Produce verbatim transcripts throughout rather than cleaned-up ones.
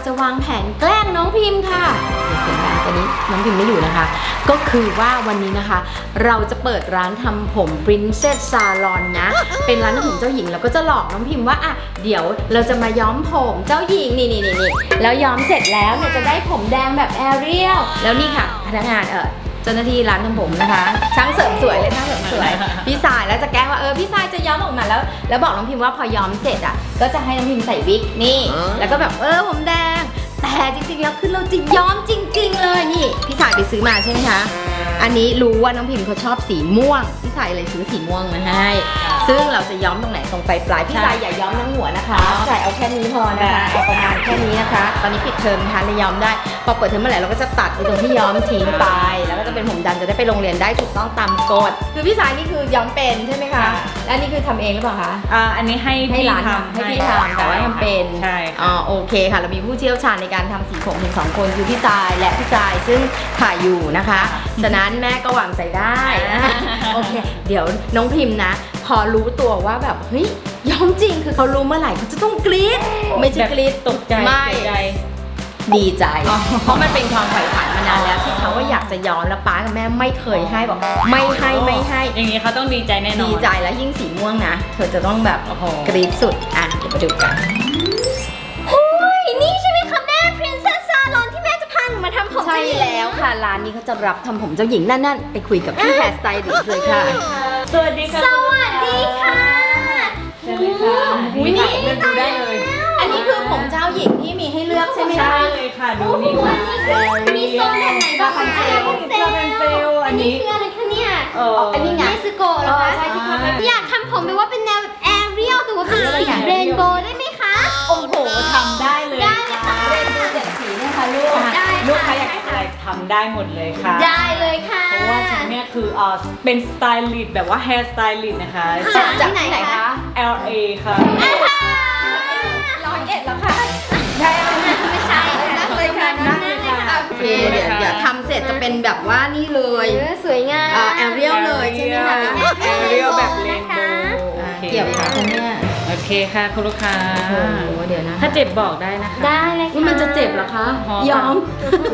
จะวางแผนแกล้งน้องพิมพ์ค่ะเดี๋ยวเสียงดังตอนนี้น้องพิมพ์ไม่อยู่นะคะ ก็คือว่าวันนี้นะคะ เราจะเปิดร้านทำผม Princess Salon นะ เป็นร้านทำผมเจ้าหญิงแล้วก็จะหลอกน้องพิมพ์ว่าอ่ะเดี๋ยวเราจะมาย้อมผมเจ้าหญิงนี่นี่นี่นี่แล้วย้อมเสร็จแล้วเนี่ยจะได้ผมแดงแบบแอเรียลแล้วนี่ค่ะพนักงานเออเจ้าหน้าที่ร้านทำผมนะคะช่างเสริมสวยเลยช่างเสริมสวยพี่สายแล้วจะแกล้งว่าเออพี่สายจะย้อมออกมาแล้วแล้วบอกน้องพิมพ์ว่าพอย้อมเสร็จอ่ะก็จะให้น้องพิมพ์ใส่วิกนี่แล้วก็แบบเออผมแดงแต่จริงๆแล้วคือเราจะย้อมจริงๆเลยนี่พี่สายไปซื้อมาใช่ไหมคะอันนี้รู้ว่าน้องพิมพ์เขาชอบสีม่วงพี่สายเลยซื้อสีม่วงมาให้ซึ่งเราจะย้อมตรงไหนตรงปลายปลายพี่สายอย่าย้อมทั้งหัวนะคะพี่สายเอาแค่นี้พอนะคะเอาประมาณแค่นี้นะคะตอนนี้ปิดเทอมนะคะเลยย้อมได้พอเปิดเทอมเมื่อไหร่เราก็จะตัดไปตรงที่ย้อมทิ้งไปแล้วก็จะเป็นผมดำจะได้ไปโรงเรียนได้ถูกต้องตามกฎคือพี่สายนี่คือย้อมเป็นใช่ไหมคะและนี่คือทำเองหรือเปล่าคะอ่าอันนี้ให้ให้ร้านทำให้พี่ทำแต่ว่าทำเป็นใช่อ๋อโอเคค่ะเรามีผู้เชี่ยวชาญในการทำสีผมถึงสองคนคือพี่สายและพี่สายซึ่งถ่ายอยู่นะคะฉะนั้นแม่ก็หวังใจได้โอเคเดี๋ยวน้องพิมพ์นะพอรู้ตัวว่าแบบเฮ้ยย้อมจริงคือเขารู้เมื่อไหร่เขาจะต้องกรี๊ดไม่ใช่กรี๊ดตกใจไม่ดีใจเพราะมันเป็นความใฝ่ฝันมานานแล้วที่เขาว่าอยากจะย้อมแล้วป้ากับแม่ไม่เคยให้บอกไม่ให้ไม่ให้อย่างนี้เขาต้องดีใจแน่นอนดีใจแล้วยิ่งสีม่วงนะเธอจะต้องแบบกรี๊ดสุดอ่ะเดี๋ยวมาดูกันโอ้ยนี่ใช่ไหมคะแม่ Princess Salon ที่แม่จะพาหนูมาทำผมใช่แล้วค่ะร้านนี้เขาจะรับทำผมเจ้าหญิงนั่นๆไปคุยกับพี่แฮร์สไตลิสต์เลยค่ะสวัสดีค่ะสวัสดีค่ะเชิญเลยค่ะอุ้ยนี่เลือกดูได้เลยอันนี้คือผมเจ้าหญิงที่มีให้เลือกใช่ไหมคะใช่เลยค่ะดูนี่ค่ะมีโซนแบบไหนบ้างคะอันนี้คืออะไรคะเนี่ยอันนี้ไงเนสโกะเหรอคะอยากทำผมแบบว่าเป็นแนวแอเรียลแต่ว่าเป็นสีเรนโบว์ได้ไหมคะโอ้โหทำได้เลยได้เลยค่ะเรนโบว์เจ็ดสีนะคะลูกลูกค้าอยากอะไรทำได้หมดเลยค่ะได้เลยค่ะเพราะว่าฉันเนี่ยคือเออเป็นสไตลิสต์แบบว่าแฮร์สไตลิสต์นะคะจากที่ไหนคะแอล เอ ค่ะร้อยเอ็ดแล้วค่ะใช่ไม่ใช่นั่งเลยค่ะนั่งเลยค่ะโอเคเดี๋ยวเดี๋ยวทำเสร็จจะเป็นแบบว่านี่เลยสวยงามแอเรียลเลยใช่ไหมคะแอเรียลแบบเรนโบว์เกี่ยวค่ะคุณแม่โอเคค่ะคุณลูกค้าโอ้เดี๋ยวนะถ้าเจ็บบอกได้นะคะได้เลยค่ะมันจะเจ็บเหรอคะยอม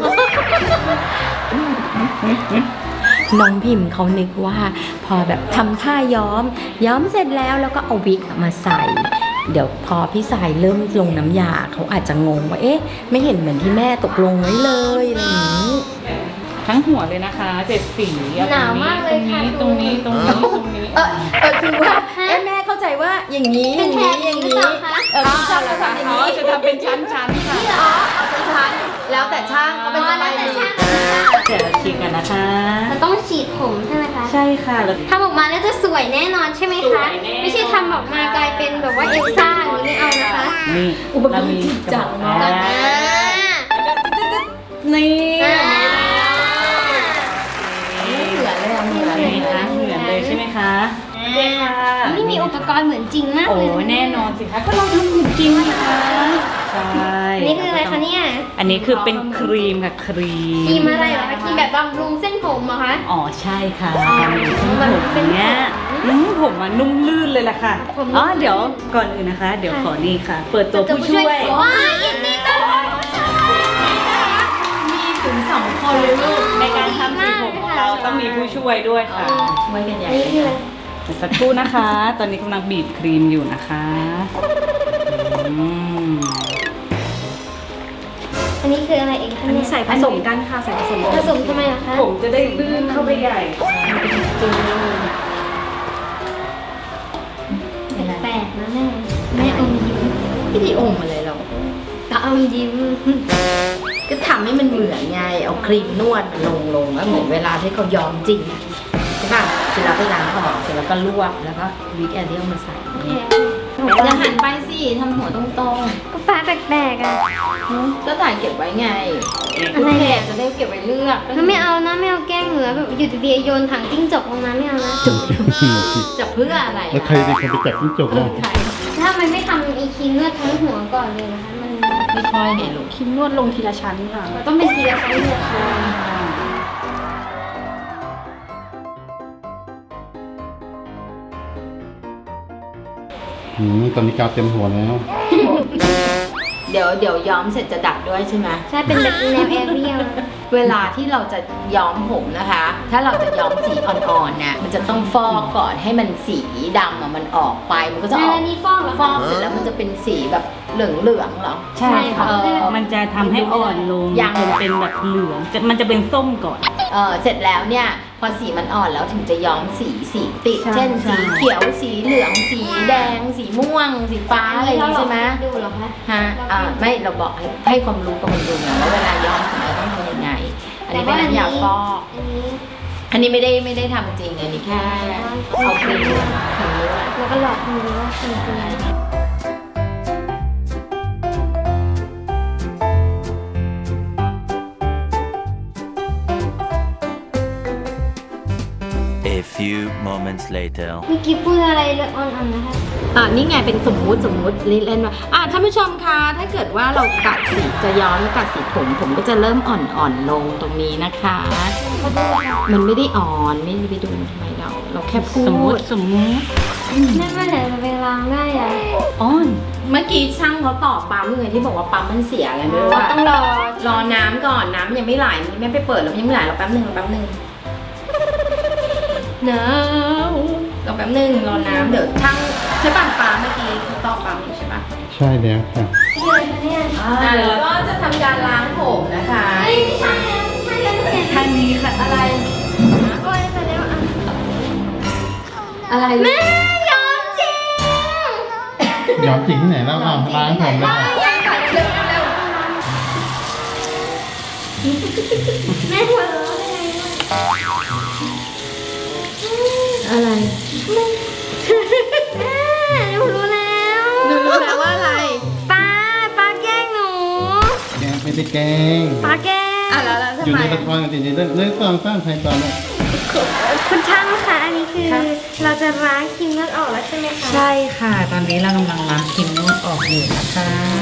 น้องพิมพ์เขานึกว่าพอแบบทำท่าย้อมย้อมเสร็จแล้วแล้วก็เอาวิกมาใส่เดี๋ยวพอพี่สายเริ่มลงน้ำยาเขาอาจจะงงว่าเอ๊ะไม่เห็นเหมือนที่แม่ตกลงไว้เลยอะไรอย่างนี้ทั้งหัวเลยนะคะเจ็ดสีหนาวมากเลยค่ะตรงนี้ตรงนี้ตรงนี้เออเออคือว่าแม่เข้าใจว่าอย่างนี้อย่างนี้อย่างนี้เออช่างจะทำอย่างนี้จะทำเป็นชั้นๆค่ะอ๋อเอาชั้นๆแล้วแต่ช่างเขาเป็นสไตล์นี้เดี๋ยวเราฉีดกันนะคะมันต้องฉีดผมใช่ไหมคะใช่ค่ะทำออกมาแล้วจะสวยแน่นอนใช่ไหมคะไม่ใช่ทำออกมากลายเป็นแบบว่าเอลซ่าอย่างนี้ไม่เอานะคะนี่อุปกรณ์จริงจังมากนี่เหมือนเลยเหมือนเลยนะเหมือนเลยใช่ไหมคะใช่ค่ะนี่มีอุปกรณ์เหมือนจริงมากเลยโอ้แน่นอนสิคะก็เราทำเหมือนจริงนะคะใช่นี่คืออะไรคะเนี่ยอันนี้คือเป็นครีมค่ะครีมครีมอะไรเหรอคะครีมแบบบำรุงเส้นผมเหรอคะอ๋อใช่ค่ะผมเนี้ยผมมันนุ่มลื่นเลยล่ะค่ะอ๋อเดี๋ยวก่อนอื่นนะคะเดี๋ยวขอนี่ค่ะเปิดตัวผู้ช่วยว้ายินดีต้อนรับมีถึงสองคนเลยลูกในการทำสีผมของเราต้องมีผู้ช่วยด้วยค่ะช่วยกันใหญ่สักครู่นะคะ ตอนนี้กำลังบีบครีมอยู่นะคะอันนี้คืออะไรเองคะเนี่ยใส่ผสมกันค่ะใส่ผสมผสมทำไมล่ะคะผมจะได้ลื่นเข้าไปใหญ่แปลกนะแม่แม่อมยิ้มพี่ดีอมอะไรเราก็อมยิ้มก็ทำให้มันเหมือนไงเอาครีมนวดลงลงแล้วเหมือนเวลาที่เขาย้อมจริงใช่ป่ะเสร็จแล้วก็ล้างออกเสร็จแล้วก็ลวกแล้วก็วิกแอเรียลมาใส่อย่าหันไปสิทำหัวตรงๆก็ฟ้าแปลกๆอ่ะก็ถ่ายเก็บไว้ไงอะไรเนี่ยจะได้เก็บไว้เลือกไม่เอานะไม่เอาแกล้งเหนือแบบอยู่ดีๆโยนถังจิ้งจกลงมาไม่เอานะจะเพื่ออะไรแล้วใครเป็นคนไปจับจิ้งจกอ่ะถ้ามันไม่ทำอีคีนวดทั้งหัวก่อนเลยนะคะมันไม่ค่อยไงลูกคิมนวดลงทีละชั้นค่ะต้องเป็นทีละชั้นเลยค่ะอืมตอนนี้กาวเต็มหัวแล้วเดี๋ยวเดี๋ยวย้อมเสร็จจะดัดด้วยใช่ไหมใช่เป็นแบบแนวแอเรียลเวลาที่เราจะย้อมผมนะคะ ถ้าเราจะย้อมสีอ่อนๆเนี่ยมันจะต้องฟอกก่อนให้มันสีดำอะมันออกไปมันก็จะออกแล้วนี่ฟอกเหรอฟอกเสร็จแล้วมันจะเป็นสีแบบเหลืองๆเหรอใช่ค่ะเออมันจะทำให้อ่อนลงยังจนเป็นแบบเหลืองจะมันจะเป็นส้มก่อนเออเสร็จแล้วเนี่ยพอสีมันอ่อนแล้วถึงจะย้อมสีสีติดใช่เช่นใช่สีเขียวสีเหลืองสีแดง สีม่วง สีฟ้าอะไรอย่างนี้ใช่ไหมดูเหรอคะฮะอ่าไม่เราบอกให้ให้ความรู้กับมันดูไงว่าเวลาย้อมผมเราต้องทำยังไง อันนี้เป็นน้ำยาฟอกอันนี้อันนี้ไม่ได้ไม่ได้ทำจริงอันนี้แค่เอาครีมครีมนวดแล้วก็หลอกดูว่าเป็นตัวอะไร A few moments later. เมื่อกี้พูดอะไรเรื่องอ่อนๆนะคะอ่านี่ไงเป็นสมมุติสมมุติเล่นๆว่าอ่าท่านผู้ชมคะถ้าเกิดว่าเรากัดสีจะย้อมกัดสีผมผมก็จะเริ่มอ่อนๆลงตรงนี้นะคะ มันไม่ได้อ่อนไม่ได้ไปดูทำไมเรา เราแค่พูสมมุดติสมมุตินั่นมันไหนจะไปล้างได้อะอ่อนเมื่อกี้ช่างเขาตอบปั๊มยังไงที่บอกว่าปั๊มมันเสียอะไรไม่รู้ว่าต้องรอรอน้ำก่อนน้ำยังไม่ไหลนี่แม่ไปเปิดแล้วมันยังไม่ไหลเราแป๊บหนึ่งเราแป๊บหนึ่งน้ำเราแป๊บหนึ่งรอน้ำเดี๋ยวช่างใช่ป่ะปั๊มเมื่อกี้เขาตอบปั๊มอยู่ใช่ป่ะใช่แล้วค่ะที่เลยคะเนี่ยอ่าแล้วก็จะทำการล้างผมนะคะเฮ้ยไม่ใช่แล้วไม่ใช่แล้วเนี่ยทางนี้ค่ะอะไรโอ้ยไปแล้วอ่ะอะไรแม่ยอมจริงยอมจริงที่ไหนแล้วอ่ะล้างผมเลยค่ะยังก่อนเร็วเร็วแม่หัวเราะได้ไงวะอะไรแม่หนูรู้แล้วหนูรู้แล้วว่าอะไรป้าป้าแกล้งหนูแกไม่ได้แกล้งป้าแกล้งอ่ะแล้วแล้วอทำยู่ไมในละครจริงๆเรื่องเรื่องตอนสร้างไทยตอนนี้คุณช่างคะอันนี้คือ เราจะล้างครีมนวดออกแล้วใช่ไหมคะใช่ค่ะ ตอนนี้เรากำลังล้างครีมนวดออกอยู่นะคะ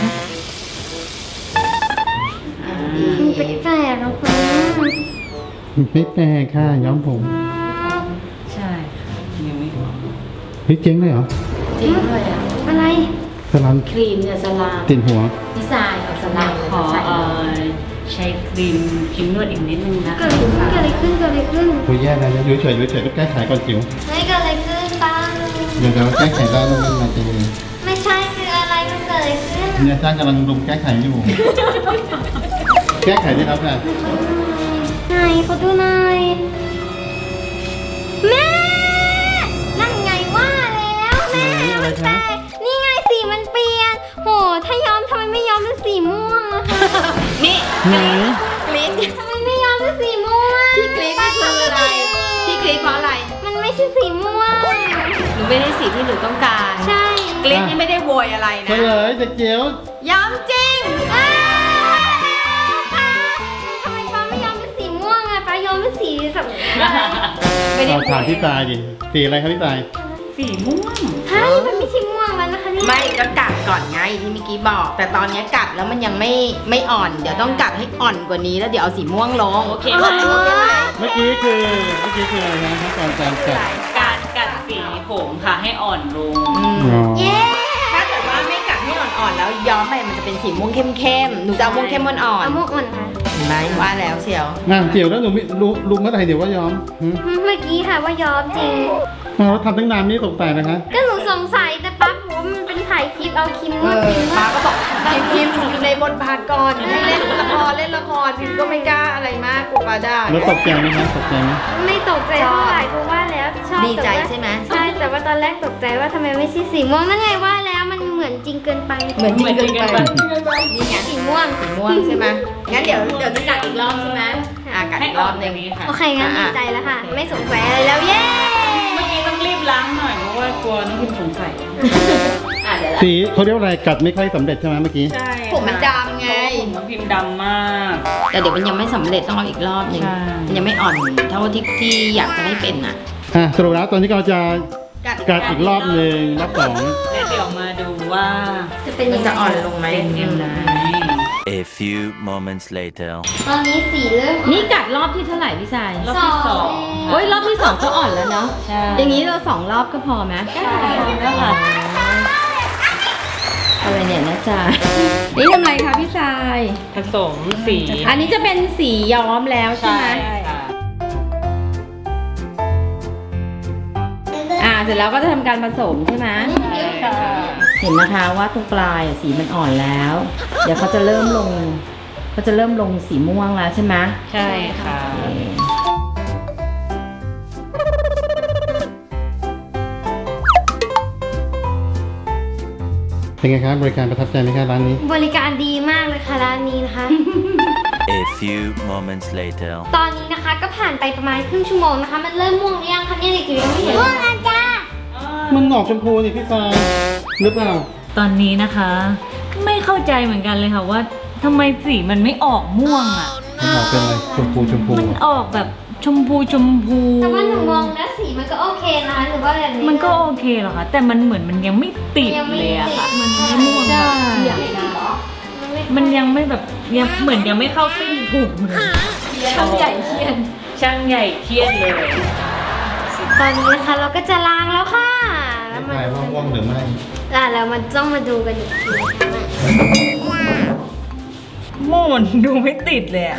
มันแปลกๆนะคุณไม่แปลกค่ะย้อมผมใช่ค่ะยังไม่ออกเฮ้ยเจ๊งเลยเหรอจริงเลยอ่ะอะไรสลันครีมเนี่ยสลามติดหัวดีไซน์ของสลามขอใส่เอ่อใช้ครีมครีมนวดอีกนิดนึงนะเกิคะดอะไรขึ้นเกิดอะไรขึ้นเกิดอะไรขึ้นคุยแย่แล้วนะอยู่เฉยอยู่เฉยต้องแก้ไขก่อนจิ๋วเฮ้ยเกิดอะไรขึ้นป้าเดี๋ยวจะแก้ไขได้แล้วมันมาจริงไม่ใช่คืออะไรมันเกิดอะไรขึ้นเนี่ยจ้างกำลังรุมแก้ไขอยู่ แก้ไขได้แล้วค่ะไหนขอดูหน่อยแม่นั่นไงว่าแล้วแม่อะไรมันแปลคะกนี่ไงสีมันเปลี่ยนโหถ้าย้อมทำไมไม่ย้อมเป็นสีม่วงอะคะนี่ไหนกรี๊ดทำไมไม่ย้อมเป็นสีม่วงที่กรี๊ดนี่คืออะไรที่กรี๊ดเพราะอะไรมันไม่ใช่สีม่วงหนูไม่ได้สีที่หนูต้องการใช่กรี๊ดนี่ไม่ได้โวยอะไรเฉนะลยเด็กเจียวย้ำจริงอ้าวป้าทำไมป้าไม่ย้อมเป็นสีม่วงอะป้าย้อมเป็นสีแบบอะไรไม่ได้เอาโวถามยพี่ตายดิสีอะไรครับพี่ตายสีม่วงเฮ้ยมันไม่ใช่ม่วงแล้วนะคะเนี่ยไม่ก็กัดก่อนไงที่เมื่อกี้บอก แต่ตอนนี้กัดแล้วมันยังไม่ไม่อ่อน เดี๋ยวต้องกัดให้อ่อนกว่านี้แล้วเดี๋ยวเอาสีม่วงลงโอเคไหมโอเคไหมเมื่อกี้คือเมื่อกี้คืออะไรนะขั้นตอนการจัดการกัดสีผมค่ะให้อ่อนลงอืมอ๋อเย้ถ้าเกิดว่าไม่กัดให้อ่อนๆแล้วย้อมไปมันจะเป็นสีม่วงเข้มๆหนูจะเอาม่วงเข้มอ่อนเอาม่วงอ่อนค่ะๆเห็นไหมว่าแล้วเชียวอ่ะเจียวแล้วหนูไม่รู้รู้เมื่อไหร่เดี๋ยวว่าย้อมหึเมื่อกี้ค่ะว่าย้อมจริงเราทำตั้งนานนี่สงสัยนะคะก็หนูสงสัยแต่ปั๊บบอกว่ามันเป็นถ่ายคลิปเอาครีมนเอวดอครีมนวป้าดก็บอกพิมพิมอยู่ในบทบาทก่อนให้เล่นละครเล่นละครพิมก็ไม่กล้าอะไรมากกลัวป้าได้แล้วตกใจไหมคะตกใจไหมไม่ตกใจเท่าไหร่เพราะว่าแล้วชอบดีใจแต่ว่าใช่ไหมใช่แต่ว่าตอนแรกตกใจว่าทำไมไม่ใช่สีม่วงนั่นไงว่าแล้วมันเหมือนจริงเกินไปเหมือนจริงเกินไปนี่ไงสีม่วงสีม่วงใช่ไหมงั้นเดี๋ยวเดี๋ยวจะกัดอีกรอบใช่ไหมอ่ะกัดให้อีกอ่รออน บหอนึ่งย่างนี้ค่ะโอเคงั้นอ่ะดีใจแล้วค่ะ ไม่สงสัยอะไรแล้วเย้เมื่อกี้ต้องรีบล้างหน่อยเพราะว่ากลัวน้องพิมสงสัยอ่ะเดี๋ยวสีเขาเรียกว่าอะไรกัดไม่ค่อยสำเร็จใช่ไหมเมื่อกี้ใช่ผมมันดำไงผมน้องพิมดำมากแต่เดี๋ยวมันยังไม่สำเร็จต้องเอาอีกรอบหนึ่งใช่มันยังไม่อ่อนเท่าที่ที่อยากจะให้เป็นอ่ะอ่ะสรุปแล้วตอนนี้เราจะกัดอีกรอบหนึ่งรอบสองแล้วเดี๋ยวมาดูว่าจะเป็นมัยันงจะอ่อนไงลงไหมเป็นยังไง A few moments later. ตอนนี้สีเริ่มนี่กัดรอบที่เท่าไหร่พี่ชายรอบที่สองโอ้ยรอบที่สองก็อ่อนแล้วเนาะใช่อย่างนี้เราสองรอบก็พอไหมใช่แล้วค่ะอะไรเนี่ยนะจ๊ะนี่ทำไรคะพี่ชายผสมสีอันนี้จะเป็นสีย้อมแล้วใช่ไหมค่ะอ่าเสร็จแล้วก็จะทำการผสมใช่ไหมค่ะเห็นนะคะว่าตรงปลายอ่ะสีมันอ่อนแล้ว เดี๋ยวเขาจะเริ่มลงเขาจะเริ่มลงสีม่วงแล้วใช่ไหมใช่ค่ะเป็นไงครับบริการประทับใจไหมครับร้านนี้บริการดีมากเลยค่ะร้านนี้นะคะ A few moments later. ตอนนี้นะคะก็ผ่านไปประมาณครึ่งชั่วโมงนะคะ มันเริ่มม่วงหรือยังคะเนี่ยเด็กจิ๋วยังไม่เห็นม่วงแล้วจ้ามันออกชมพูนี่พี่ฟายหรือเปล่าตอนนี้นะคะ ไม่เข้าใจเหมือนกันเลยค่ะว่าทำไมสีมันไม่ออกม่วงอ่ะมันออกเป็นอะไรชมพูชมพูมันอะออกแบบชมพูชมพูแต่ว่าหนูมองแล้วสีมันก็โอเคนะคะหรือว่าแบบนี้มันก็โอเคหรอคะแต่มันเหมือนมันยังไม่ติดเลยอะค่ะ มันไม่ม่วงแบบ มันยังไม่แบบยังเหมือนยังไม่เข้าเส้นถูกเลยช่างใหญ่เครียดช่างใหญ่เครียดเลยตอนนี้นะคะเราก็จะล้างแล้วค่ะแล้วมันฟายว่าว่องหรือไม่อ่ะแล้วมันต้องมาดูกันอีกทีนะคะม่วงมันดูไม่ติดเลยอะ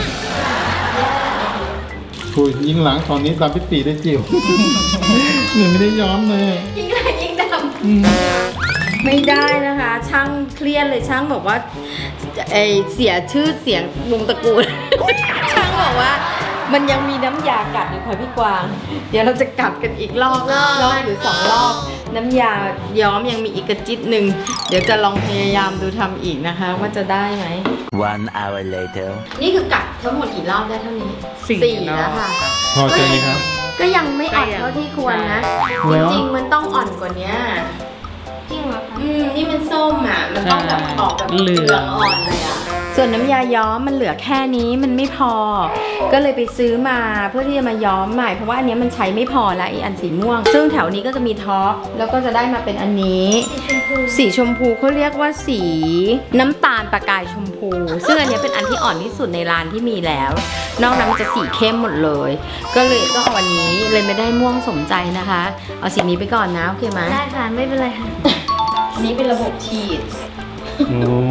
คุยยิงหลังตอนนี้ตามพี่ปีได้จิ๋ว หนูไม่ได้ย้อมเลยยิ่งแรงยิ่งดำไม่ได้นะคะ ช่างเครียดเลยช่างบอกว่าไอเสียชื่อเสียงวงตระกูล ช่างบอกว่ามันยังมีน้ำยากัดอยู่ค่ะพี่กวาง เดี๋ยวเราจะกัดกันอีกรอบรอบหรือสองรอบ น้ำยาย้อมยังมีอีกกระจิตหนึ่งเดี๋ยวจะลองพยายามดูทำอีกนะคะ ว่าจะได้ไหม One hour later. นี่คือกัดทั้งหมดกี่รอบได้เท่านี้แล้วค่ะพอใจไหมครับก็ยังไม่อ่อนเท่าที่ควรนะ จริงๆ มันต้องอ่อนกว่านี้จริงเหรอคะอืม นี่มันส้มอ่ะ มันต้องแบบออกแบบเหลืองอ่อนเลยอ่ะ ส่วนน้ำยาย้อมมันเหลือแค่นี้มันไม่พอ ก็เลยไปซื้อมาเพื่อที่จะมาย้อมใหม่ เพราะว่าอันเนี้ยมันใช้ไม่พอแล้วไอีอันสีม่วง ซึ่งแถวนี้ก็จะมีท็อป แล้วก็จะได้มาเป็นอันนี้ สีชมพูเขาเรียกว่าสีน้ำตาลประกายชมพู ซึ่งอันเนี้ยเป็นอันที่อ่อนที่สุดในร้านที่มีแล้ว นอกนั้นมันจะสีเข้มหมดเลย ก็เลยต้องเอาอันนี้เลยไม่ได้ม่วงสมใจนะคะ เอาสีนี้ไปก่อนนะโอเคไหมได้ค่ะไม่เป็นไรค่ะอันนี้เป็นระบบฉีดโอ้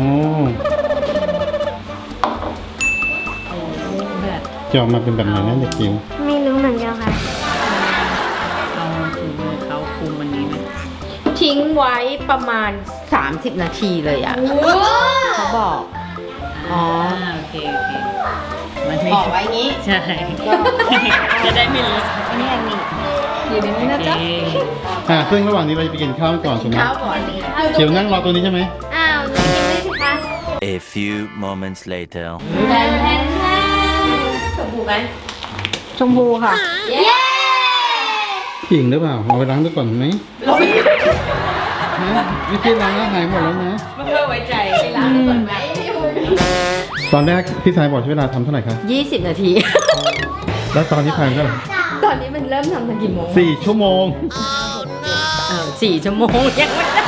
แบบจะออกมาเป็นแบบไหนนะเด็กจิ๋วไม่รู้เหมือนกันค่ะเอาถุงมือเขาคุมอันนี้ไหมทิ้งไว้ประมาณ สามสิบ นาทีเลยอะเขาบอก อ๋อโอเคโอเคมันไม่บอกไว้งี้ใช่ จะได้ไม่เลอะอันนี้อันนี้อยู่ในนี้นะโอเคจ๊ะอ่าซึ่งระหว่างนี้เราจะไปกินข้าวก่อนถูกไหมข้าวก่อนจิ๋วนั่งรอตัวนี้ใช่ไหมอ้าวหนูกินไม่สิคะ A few moments later. แทนแทนแทนชมพูไหมชมพูค่ะเย้จริงหรือเปล่าเอาไปล้างดูก่อนไหมเราไปฮะวิธีล้างแล้วหายหมดแล้วนะไม่เพื่อไว้ใจล้างก่อนไหมตอนแรกพี่ชายบอกใช้เวลาทำเท่าไหร่ครับยี่สิบ นาทีแล้วตอนนี้ผ่านเท่าไหร่ตอนนี้มันเริ่มทำตั้งกี่โมงสี่ชั่วโมงเออสี่ชั่วโมงยังไม่ได้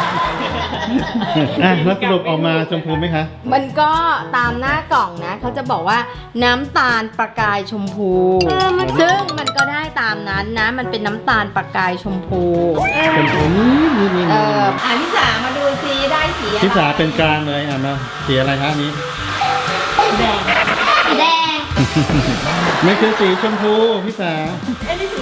อ่ะแล้วสรุปออกมาชมพูไหมคะมันก็ตามหน้ากล่องนะ เขาจะบอกว่าน้ำตาลประกายชมพู ซึ่งมันก็ได้ตามนั้นนะ มันเป็นน้ำตาลประกายชมพูชมพูนี่นี่นี่เอนี่ออ่าพี่สามาดูซิได้สีอะไรพี่สาเป็นกลางเลยอ่ะมาสีอะไรคะอันนี้แดงไม่คือสีชมพูพี่สาแต่อันนี้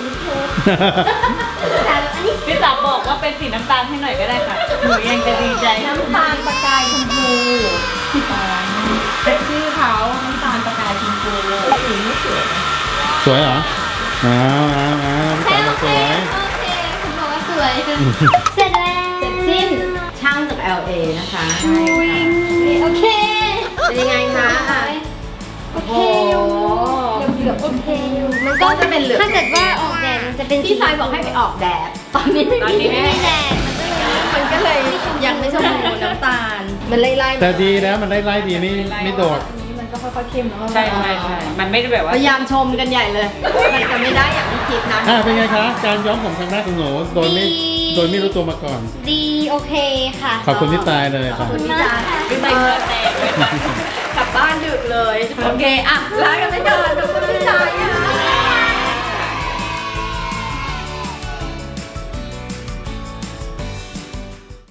พี่สาวบอกว่าเป็นสีน้ำตาลให้หน่อยก็ได้ค่ะ หนูยังจะดีใจน้ำตาลประกายชมพูเป็นชื่อเขาน้ำตาลประกายชมพูสีไม่สวยสวยเหรออ้าวอ้าวอ้าวพี่สาบอกสวยโอเคคุณบอกว่าสวย เสร็จแล้วเสร็จสิ้นช่างจาก แอล เอ นะคะโอเคเป็นยังไงคะอ่ะโอเคอยู่เกือบๆโอเคอยู่มันก็ก็จะเป็นเหลืองถ้าเกิดว่าออกแดดมันจะเป็นพี่สายบอกให้ไปออกแดด ตอนนี้ไม่ตอนมีนี้ไม่มีแดดมันก็เลยมันก็เลยยังไม่ชมพูน้ำตาล มันไล่ๆแต่ดีแล้วมันไล่ไล่ดีไม่ไม่โดดใช่ใช่ใช่มันไม่ได้แบบว่าพยายามชมกันใหญ่เลย มันจะไม่ได้อย่างที่คิดนะอ่ะเป็นไงคะ การย้อมผมครั้งแรกของหนูโดยไม่โดยไม่รู้ตัวมาก่อนดีโอเคค่ะขอบคุณพี่ตายเลยขค่ะอบคุณพี่จานพี่ใส่เงินแตกเลยกลับบ้านดึกเลย โอเค อ่ะลากันไปก่อนขอบคุณพี่จานค่ะ